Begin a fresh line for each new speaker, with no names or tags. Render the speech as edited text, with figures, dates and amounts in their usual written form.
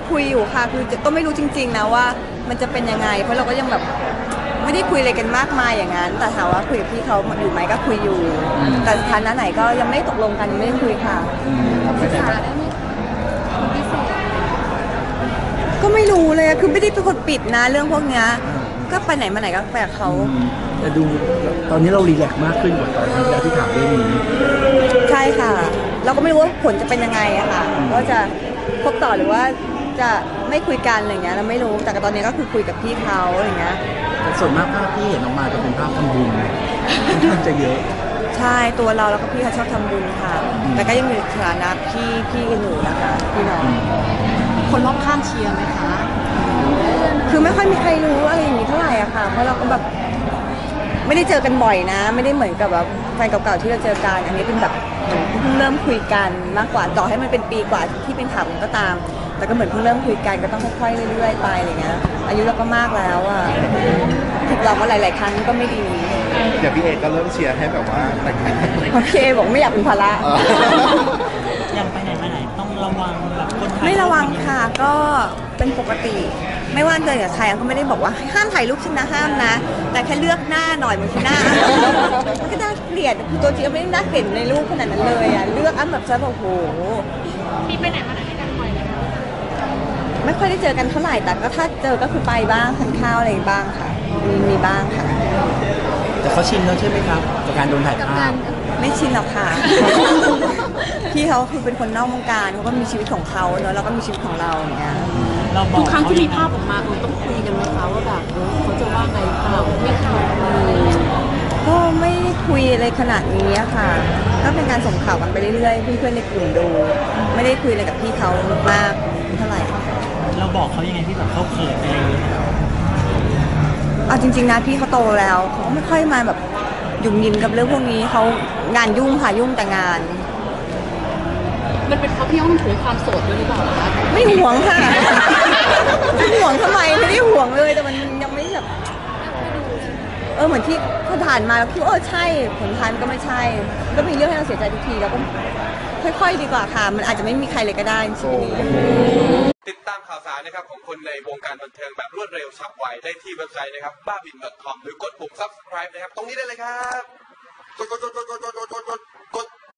คุยอยู่ค่ะคือก็ไม่รู้จริงๆนะว่ามันจะเป็นยังไงเพราะเราก็ยังแบบไม่ได้คุยอะไรกันมากมายอย่างนั้นแต่ถามว่าคุยกับพี่เขาอยู่ไหมก็คุยอยู่แต่สถานะไหนก็ยังไม่ตกลงกันยังไม่ได้คุยค่ะ
ปรึกษาได้ไหมพิเศษ
ก็ไม่รู้เลยคือไม่ได้เป็นคนปิดนะเรื่องพวกนี้ก็ไปไหนมาไหนก็ไปกับเขา
แต่ดูตอนนี้เรารีแลกซ์มากขึ้นกว่าตอนที่ถามเรื่องนี้
ใช่ค่ะเราก็ไม่รู้ว่าผลจะเป็นยังไงอะค่ะว่าจะคบต่อหรือว่าจะไม่คุยกันอะไรเงี้ยเราไม่รู้แต่ตอนนี้ก็คือคุยกับพี่เขาอะไรเงี้ย
แต่ส่วนมากภาพที่เห็นออกมาจะเป็นภาพทำบุญค่อนข้างจะเยอะ
ใช่ตัวเราแล้วก็พี่เขาชอบทำบุญค่ะแต่ก็ยังมีฐานะพี่กันอยู่นะคะพี่น้อง
คนรอบข้างเชียร์ไหมคะ
คือไม่ค่อยมีใครรู้อะไรอย่างนี้เท่าไหร่อะค่ะเพราะเราก็แบบไม่ได้เจอกันบ่อยนะไม่ได้เหมือนกับแบบแฟนเก่าๆที่เราเจอกันอันนี้เป็นแบบเหมือนเพิ่งเริ่มคุยกันมากกว่าต่อให้มันเป็นปีกว่าที่เป็นข่าวก็ตามแต่ก็เหมือนเพิ่งเริ่มคุยกันก็ต้องค่อยๆเรื่อยๆไปอะไรเงี้ยอายุเราก็มากแล้วอะผิดเรามาหลายๆครั้งก็ไม่ดี
อย่างพี่เอก็เริ่มเชียร์ให้แบบว่าแต่งงาน
พี่เอบอกไม่อยากเป็นภาระ
ยังไปไหนมาไหนต้องระวังแบบคนถ่าย
ไม่ระวังค่ะก็เป็นปกติไม่ว่าเจอกับใครก็ไม่ได้บอกว่าห้ามถ่ายรูปฉันนะห้ามนะแต่แค่เลือกหน้าหน่อยบางทีหน้ามันก็น่าเกลียดคือตัวจริงไม่ได้น่าเกลียดในรูปขนาดนั้นเลยอ่ะเลือกอ้ำแบบซะแบบโห
มีไปไหนมาไหนกันบ่อยไหมคะ
ไม่ค่อยได้เจอกันเท่าไหร่แต่ก็ถ้าเจอก็คือไปบ้างทานข้าวอะไรบ้างค่ะมีบ้างค่ะ
แต่เขาชินแล้วใช่ไหมครับกับการโดนถ่ายภาพ
ไม่ชินหรอกค่ะพี่เขาคือเป็นคนนอกวงการเขาก็มีชีวิตของเขาเนอะเราก็มีชีวิตของเราอย่างเงี้ย
ทุกครั้งที่มีภาพออกมาต้องคุยกันไหมคะว่าแบบเขาจะว่าไงเราไม่ทำ
ก็ไม่คุยอะไรขนาดนี้ค่ะก็เป็นการส่งข่าวกันไปเรื่อยๆเพื่อนๆในกลุ่มดูไม่ได้คุยอะไรกับพี่เขามากเท่าไหร่
เราบอกเขายังไงที่แบบเขาเขินอะไรอย่างเงี้ย
เอาจริงๆนะพี่เขาโตแล้วเขาไม่ค่อยมาแบบยุ่งยินกับเรื่องพวกนี้เขางานยุ่งค่ะยุ่งแต่งาน
มันเป็นเพราะพี่อ้อมถือความโสดด้วยหรือเปล่าคะ
ไม่ห่วงค่ะไม่ห่วงทำไมไม่ได้ห่วงเลยแต่มันยังไม่แบบเหมือนที่ผ่านมาแล้วคิดว่าใช่ผลท้ายมันก็ไม่ใช่ก็มีเรื่องให้เราเสียใจทุกทีแล้วก็ค่อยๆดีกว่าค่ะมันอาจจะไม่มีใครเลยก็ได้ชีวิตนี้
ติดตามข่าวสารนะครับของคนในวงการบันเทิงแบบรวดเร็วฉับไวได้ที่เว็บไซต์นะครับบ้าบิน .com หรือกดปุ่ม subscribe นะครับตรงนี้ได้เลยครับกด